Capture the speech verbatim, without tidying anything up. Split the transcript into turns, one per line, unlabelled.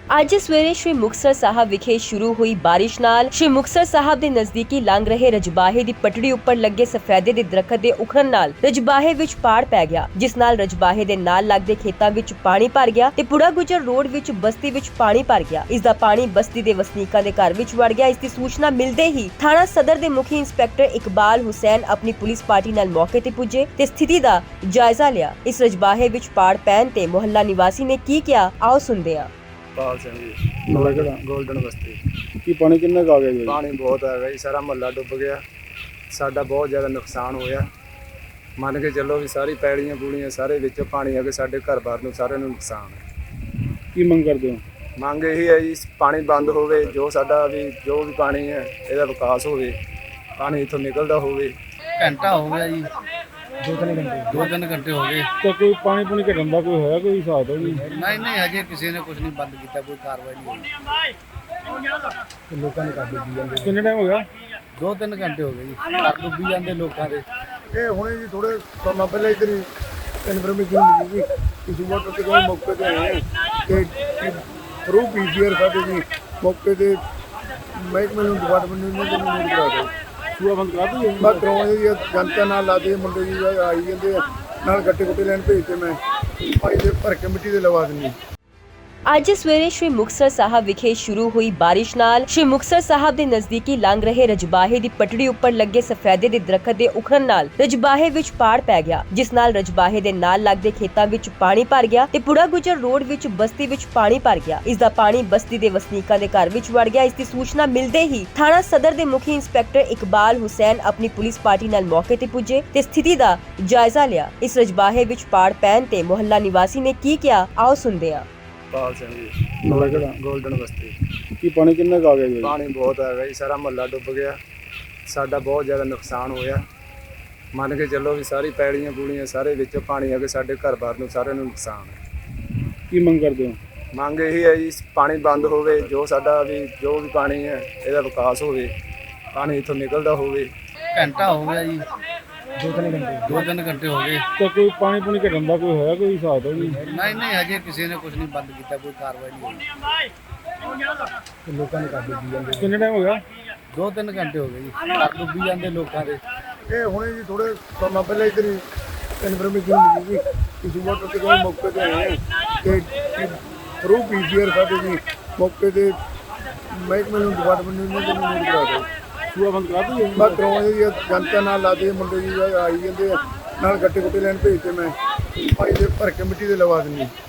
ਅੱਜ ਸਵੇਰੇ ਸ਼੍ਰੀ ਮੁਕਤਸਰ ਸਾਹਿਬ ਵਿਖੇ ਸ਼ੁਰੂ ਹੋਈ ਬਾਰਿਸ਼ ਨਾਲ ਸ਼੍ਰੀ ਮੁਕਤਸਰ ਸਾਹਿਬ ਦੇ ਨਜ਼ਦੀਕੀ ਲੰਘ ਰਹੇ ਰਜਬਾਹੇ ਦੀ ਪਟੜੀ ਉੱਪਰ ਲੱਗੇ ਸਫੈਦੇ ਦੇ ਦਰਖਤ ਦੇ ਉਖੜਨ ਨਾਲ ਰਜਬਾਹੇ ਵਿੱਚ ਪਾੜ ਪੈ ਗਿਆ, ਜਿਸ ਨਾਲ ਰਜਬਾਹੇ ਦੇ ਨਾਲ ਲੱਗਦੇ ਖੇਤਾਂ ਵਿੱਚ ਪਾਣੀ ਭਰ ਗਿਆ ਤੇ ਪੁੜਾ ਗੁਜਰ ਰੋਡ ਵਿੱਚ ਬਸਤੀ ਵਿੱਚ ਪਾਣੀ ਭਰ ਗਿਆ। ਇਸ ਦਾ ਪਾਣੀ ਬਸਤੀ ਦੇ ਵਸਨੀਕਾਂ ਦੇ ਘਰ ਵਿੱਚ ਵੜ ਗਿਆ। ਇਸ ਦੀ ਸੂਚਨਾ ਮਿਲਦੇ ਹੀ ਥਾਣਾ ਸਦਰ ਦੇ ਮੁਖੀ ਇੰਸਪੈਕਟਰ ਇਕਬਾਲ ਹੁਸੈਨ ਆਪਣੀ ਪੁਲਿਸ ਪਾਰਟੀ ਨਾਲ ਮੌਕੇ ਤੇ ਪੁੱਜੇ ਤੇ ਸਥਿਤੀ ਦਾ ਜਾਇਜ਼ਾ ਲਿਆ। ਇਸ ਰਜਬਾਹੇ ਵਿੱਚ ਪਾੜ ਪੈਣ ਤੇ ਮੁਹੱਲਾ ਨਿਵਾਸੀ ਨੇ ਕੀ ਕਿਹਾ, ਆਓ ਸੁਣਦੇ ਹਾਂ।
ਪਾਲ ਸਿੰਘ ਜੀ,
ਨਾਲੇ ਕਿਹੜਾ
ਗੋਲਡਨ ਬਸਤੀ।
ਕੀ ਪਾਣੀ ਕਿੰਨਾ ਕੁ ਆ ਗਿਆ ਜੀ?
ਪਾਣੀ ਬਹੁਤ ਆ ਗਿਆ ਜੀ, ਸਾਰਾ ਮਹੱਲਾ ਡੁੱਬ ਗਿਆ। ਸਾਡਾ ਬਹੁਤ ਜ਼ਿਆਦਾ ਨੁਕਸਾਨ ਹੋਇਆ। ਮੰਨ ਕੇ ਚੱਲੋ ਵੀ ਸਾਰੀ ਪੈੜੀਆਂ ਪੂੜੀਆਂ ਸਾਰੇ ਵਿੱਚੋਂ ਪਾਣੀ ਆ ਕੇ ਸਾਡੇ ਘਰ-ਬਾਰ ਨੂੰ ਸਾਰਿਆਂ ਨੂੰ ਨੁਕਸਾਨ ਹੈ।
ਕੀ ਮੰਗ ਕਰਦੇ ਹੋ?
ਮੰਗ ਇਹੀ ਹੈ ਜੀ, ਪਾਣੀ ਬੰਦ ਹੋਵੇ, ਜੋ ਸਾਡਾ ਵੀ ਜੋ ਵੀ ਪਾਣੀ ਹੈ ਇਹਦਾ ਵਿਕਾਸ ਹੋਵੇ, ਪਾਣੀ ਇੱਥੋਂ ਨਿਕਲਦਾ ਹੋਵੇ।
ਘੰਟਾ ਹੋ ਗਿਆ ਜੀ, ਦੋ ਤਿੰਨ ਘੰਟੇ ਦੋ ਤਿੰਨ ਘੰਟੇ ਹੋ ਗਏ।
ਤਾਂ ਕੋਈ ਪਾਣੀ ਪੂਣੀ ਘਟਣ ਦਾ ਕੋਈ ਹੋਇਆ ਕੋਈ ਹਿਸਾਬ ਨਹੀਂ?
ਨਹੀਂ ਨਹੀਂ ਹਜੇ ਕਿਸੇ ਨੇ ਕੁਝ ਨਹੀਂ ਬੰਦ ਕੀਤਾ, ਕੋਈ ਕਾਰਵਾਈ ਨਹੀਂ ਹੋਈ। ਲੋਕਾਂ ਨੇ ਕਰ ਦਿੱਤੀ ਜਾਂਦੇ,
ਕਿੰਨੇ ਟਾਈਮ ਹੋ ਗਿਆ?
ਦੋ ਤਿੰਨ ਘੰਟੇ ਹੋ ਗਏ ਜੀ, ਘਰ ਡੁੱਬੀ ਜਾਂਦੇ ਲੋਕਾਂ ਦੇ।
ਇਹ ਹੁਣੇ ਜੀ ਥੋੜੇ ਸਮਾਂ ਪਹਿਲਾਂ ਇਧਰ ਇਨਫੋਰਮੇਸ਼ਨ ਮਿਲੀ ਸੀ ਕਿ ਸੂਬਾ ਤੋਂ ਕੋਈ ਮੌਕੇ ਤੇ ਆਏ ਆ ਤੇ ਥਰੂ ਪੀਸੀਆਰ ਸਾਡੇ ਜੀ ਮੌਕੇ ਤੇ ਮਹਿਕਮੇ ਨੂੰ ਡਿਪਾਰਟਮੈਂਟ ਨੂੰ ਇਹਨਾਂ ਨੂੰ ਨੋਟ ਕਰਾ ਦਿਓ।
ਸੂਆ ਬੰਦ ਕਰਾ ਦਈਏ?
ਮੈਂ ਕਰਾਉਣੇ ਜੀ ਜਨਤਾ ਨਾਲ ਲਾਦੇ ਮੁੰਡੇ ਜੀ ਆਈ ਜਾਂਦੇ ਆ, ਨਾਲ ਗੱਟੇ ਗੁੱਟੇ ਲੈਣ ਭੇਜਦੇ, ਮੈਂ ਭਾਈ ਦੇ ਭਰ ਕੇ ਮਿੱਟੀ ਦੇ ਲਵਾ ਦਿੰਦੀ।
ਅੱਜ ਸਵੇਰੇ ਸ਼੍ਰੀ ਮੁਕਤਸਰ ਸਾਹਿਬ ਵਿਖੇ ਸ਼ੁਰੂ ਹੋਈ ਬਾਰਿਸ਼ ਨਾਲ ਸ਼੍ਰੀ ਮੁਕਤਸਰ ਸਾਹਿਬ ਦੇ ਨਜ਼ਦੀਕੀ ਲੰਘ ਰਹੇ ਰਜਬਾਹੇ ਦੀ ਪਟੜੀ ਉੱਪਰ ਲੱਗੇ ਸਫੈਦੇ ਦੇ ਦਰਖਤ ਦੇ ਉਖੜਨ ਨਾਲ ਰਜਬਾਹੇ ਵਿੱਚ ਪਾੜ ਪੈ ਗਿਆ, ਜਿਸ ਨਾਲ ਰਜਬਾਹੇ ਦੇ ਨਾਲ ਲੱਗਦੇ ਖੇਤਾਂ ਵਿੱਚ ਪਾਣੀ ਭਰ ਗਿਆ ਤੇ ਪੁੜਾ ਗੁਜਰ ਰੋਡ ਵਿੱਚ ਬਸਤੀ ਵਿੱਚ ਪਾਣੀ ਭਰ ਗਿਆ। ਇਸ ਦਾ ਪਾਣੀ ਬਸਤੀ ਦੇ ਵਸਨੀਕਾਂ ਦੇ ਘਰ ਵਿੱਚ ਵੜ ਗਿਆ। ਇਸ ਦੀ ਸੂਚਨਾ ਮਿਲਦੇ ਹੀ ਥਾਣਾ ਸਦਰ ਦੇ ਮੁਖੀ ਇੰਸਪੈਕਟਰ ਇਕਬਾਲ ਹੁਸੈਨ ਆਪਣੀ ਪੁਲਿਸ ਪਾਰਟੀ ਨਾਲ ਮੌਕੇ ਤੇ ਪੁੱਜੇ ਤੇ ਸਥਿਤੀ ਦਾ ਜਾਇਜ਼ਾ ਲਿਆ। ਇਸ ਰਜਬਾਹੇ ਵਿੱਚ ਪਾੜ ਪੈਣ ਤੇ ਮੁਹੱਲਾ ਨਿਵਾਸੀ ਨੇ ਕੀ ਕਿਹਾ, ਆਓ ਸੁਣਦੇ ਹਾਂ।
ਪਾਲ ਸਿੰਘ ਜੀ,
ਨਾਲੇ ਕਿਹੜਾ
ਗੋਲਡਨ ਬਸਤੀ।
ਕੀ ਪਾਣੀ ਕਿੰਨਾ ਕੁ ਆ ਗਿਆ ਜੀ?
ਪਾਣੀ ਬਹੁਤ ਆ ਗਿਆ ਜੀ, ਸਾਰਾ ਮਹੱਲਾ ਡੁੱਬ ਗਿਆ। ਸਾਡਾ ਬਹੁਤ ਜ਼ਿਆਦਾ ਨੁਕਸਾਨ ਹੋਇਆ। ਮੰਨ ਕੇ ਚੱਲੋ ਵੀ ਸਾਰੀ ਪੈੜੀਆਂ ਪੂੜੀਆਂ ਸਾਰੇ ਵਿੱਚੋਂ ਪਾਣੀ ਆ ਕੇ ਸਾਡੇ ਘਰ-ਬਾਰ ਨੂੰ ਸਾਰਿਆਂ ਨੂੰ ਨੁਕਸਾਨ ਹੈ।
ਕੀ ਮੰਗ ਕਰਦੇ ਹੋ?
ਮੰਗ ਇਹੀ ਹੈ ਜੀ, ਪਾਣੀ ਬੰਦ ਹੋਵੇ, ਜੋ ਸਾਡਾ ਵੀ ਜੋ ਵੀ ਪਾਣੀ ਹੈ ਇਹਦਾ ਵਿਕਾਸ ਹੋਵੇ, ਪਾਣੀ ਇੱਥੋਂ ਨਿਕਲਦਾ ਹੋਵੇ।
ਘੰਟਾ ਹੋ ਗਿਆ ਜੀ, ਦੋ ਤਿੰਨ ਘੰਟੇ ਦੋ ਤਿੰਨ ਘੰਟੇ ਹੋ ਗਏ।
ਤਾਂ ਕੋਈ ਪਾਣੀ ਪੂਣੀ ਘਟਣ ਦਾ ਕੋਈ ਹੋਇਆ ਕੋਈ ਹਿਸਾਬ ਨਹੀਂ?
ਨਹੀਂ ਨਹੀਂ ਹਜੇ ਕਿਸੇ ਨੇ ਕੁਝ ਨਹੀਂ ਬੰਦ ਕੀਤਾ, ਕੋਈ ਕਾਰਵਾਈ ਨਹੀਂ ਹੋਈ। ਲੋਕਾਂ ਨੇ ਕਰ ਦਿੱਤੀ ਜਾਂਦੇ,
ਕਿੰਨੇ ਟਾਈਮ ਹੋ ਗਿਆ?
ਦੋ ਤਿੰਨ ਘੰਟੇ ਹੋ ਗਏ ਜੀ, ਘਰ ਡੁੱਬੀ ਜਾਂਦੇ ਲੋਕਾਂ ਦੇ।
ਇਹ ਹੁਣੇ ਜੀ ਥੋੜੇ ਸਮਾਂ ਪਹਿਲਾਂ ਇਧਰ ਇਨਫੋਰਮੇਸ਼ਨ ਮਿਲੀ ਸੀ ਕਿ ਸੂਬਾ ਤੋਂ ਕੋਈ ਮੌਕੇ ਤੇ ਆਏ ਆ ਤੇ ਥਰੂ ਪੀਸੀਆਰ ਸਾਡੇ ਜੀ ਮੌਕੇ ਤੇ ਮਹਿਕਮੇ ਨੂੰ ਡਿਪਾਰਟਮੈਂਟ ਨੂੰ ਇਹਨਾਂ ਨੂੰ ਨੋਟ ਕਰਾ ਦਿਓ।
ਸੂਆ ਬੰਦ ਕਰਾ ਦਈਏ?
ਮੈਂ ਕਰਾਉਣੇ ਜੀ ਜਨਤਾ ਨਾਲ ਲਾਦੇ ਮੁੰਡੇ ਜੀ ਆਈ ਜਾਂਦੇ ਆ, ਨਾਲ ਗੱਟੇ ਗੁੱਟੇ ਲੈਣ ਭੇਜਦੇ, ਮੈਂ ਭਾਈ ਦੇ ਭਰ ਕੇ ਮਿੱਟੀ ਦੇ ਲਵਾ ਦਿੰਦੀ।